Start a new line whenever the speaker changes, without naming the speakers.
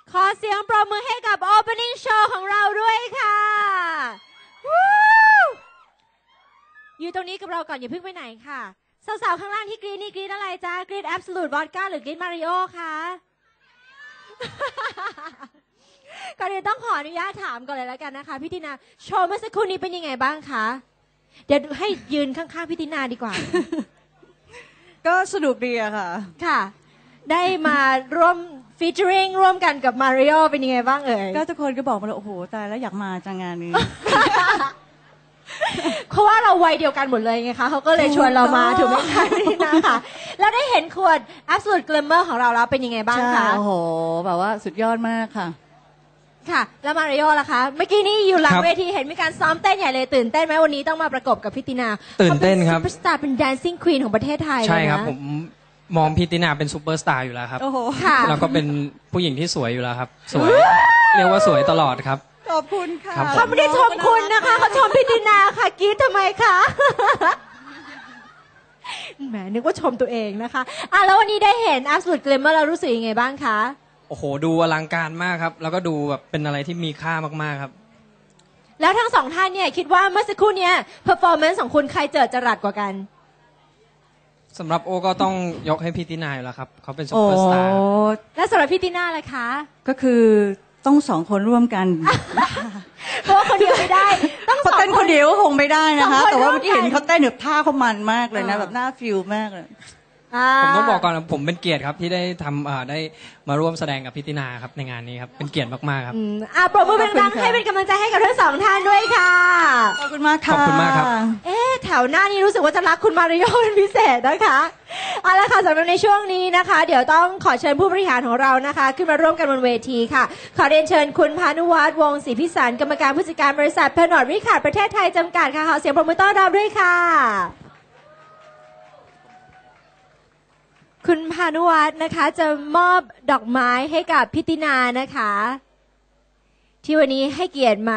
ขอเสียงปรบมือให้กับ Opening Show ของเราด้วยค่ะอยู่ตรงนี้กับเราก่อนอย่าเพิ่งไปไหนค่ะสาวๆข้างล่างที่กรี๊ดนี่กรี๊ดอะไรจ๊ะกรี๊ด Absolute Vodka หรือกรี๊ด Mario คะก่อนอื่นต้องขออนุญาตถามก่อนเลยแล้วกันนะคะพี่ตินาโชว์เมื่อสักครู่นี้เป็นยังไงบ้างคะเดี๋ยวให้ยืนข้างๆพี่ตินาดีกว่า
ก็สนุกดีอะค่ะ
ค่ะได้มาร่วมฟีเจอริงร่วมกันกับมาริโอเป็นยังไงบ้างเอ่ย
ก็ทุกคนก็บอกมาเลยโอ้โหตายแล้วอยากมาจังงานนี้
เพราะว่าเราวัยเดียวกันหมดเลยไงคะเขาก็เลยชวนเรามาถูกไหมคะพี่ตินาค่ะแล้วได้เห็นขวด Absolute Glamour ของเราแล้วเป็นยังไงบ้างคะ
โอ้โหแบบว่าสุดยอดมากค่ะ
ค่ะแล้วมาริโอล่ะคะเมื่อกี้นี้อยู่หลังเวทีเห็นมีการซ้อมเต้นใหญ่เลยตื่นเต้นไหมวันนี้ต้องมาประกบกับพี่ตินา
ตื่นเต้นครับ
ซุปเปอร์สตาร์เป็น Dancing Queen ของประเทศไทย
ใช่ครับผมมองพี่ตินาเป็นซูเปอร์สตาร์อยู่แล้วครับ
โอ้โห
แล้วก็เป็นผู้หญิงที่สวยอยู่แล้วครับสวยเรียกว่าสวยตลอดครับ
ขอบคุณค่ะ
เขาไม่ได้ชมคุณนะคะเขาชมพี่ตินาค่ะกรี๊ดทำไมคะแหมนึกว่าชมตัวเองนะคะแล้ววันนี้ได้เห็น Absolute Glamour เรารู้สึกยังไงบ้างคะ
โอ้โหดูอลังการมากครับแล้วก็ดูแบบเป็นอะไรที่มีค่ามากๆครับ
แล้วทั้งสองท่านเนี่ยคิดว่าเมื่อสักครู่เนี้ย performance ของคุณใครเจิดจรัสกว่ากัน
สำหรับโอก็ต้องยกให้พี่ตินาอยู่แล้วครับเขาเป็นซูเปอร์สตาร์
และสำหรับพี่ตินาล่ะคะ
ก็คือต้องสองคนร่วมกัน
เพราะว่าคนเดียวไม่ได้ต้อง
เขาเต้นคนเดียวก็คงไม่ได้นะคะแต่ว่าเมื่อกี้เห็นเขาเต้นแบบท่าเขามันมากเลยนะแบบน่าฟิลมากเลย
ผมต้องบอกก่อนนะผมเป็นเกียรติครับที่ได้ทำได้มาร่วมแสดงกับพี่ตินาครับในงานนี้ครับเป็นเกียรติมากๆครับ
ปรบมือดังๆให้เป็นกำลังใจให้กับทั้งสองท่านด้วยค่ะ
ขอบคุณมากค่ะ
ขอบคุณมากครับ
แถวหน้านี้รู้สึกว่าจะรักคุณมาริโอเป็นพิเศษนะคะเอาละค่ะสำหรับในช่วงนี้นะคะเดี๋ยวต้องขอเชิญผู้บริหารของเรานะคะขึ้นมาร่วมกันบนเวทีค่ะขอเรียนเชิญคุณพานุวัฒน์วงศ์ศรีพิสารกรรมการผู้จัดการบริษัทเพนอร์ดริคาร์ดประเทศไทยจำกัดค่ะขอเสียงปรบมือต้อนรับด้วยค่ะคุณพานุวัฒน์นะคะจะมอบดอกไม้ให้กับพิตินานะคะที่วันนี้ให้เกียรติมา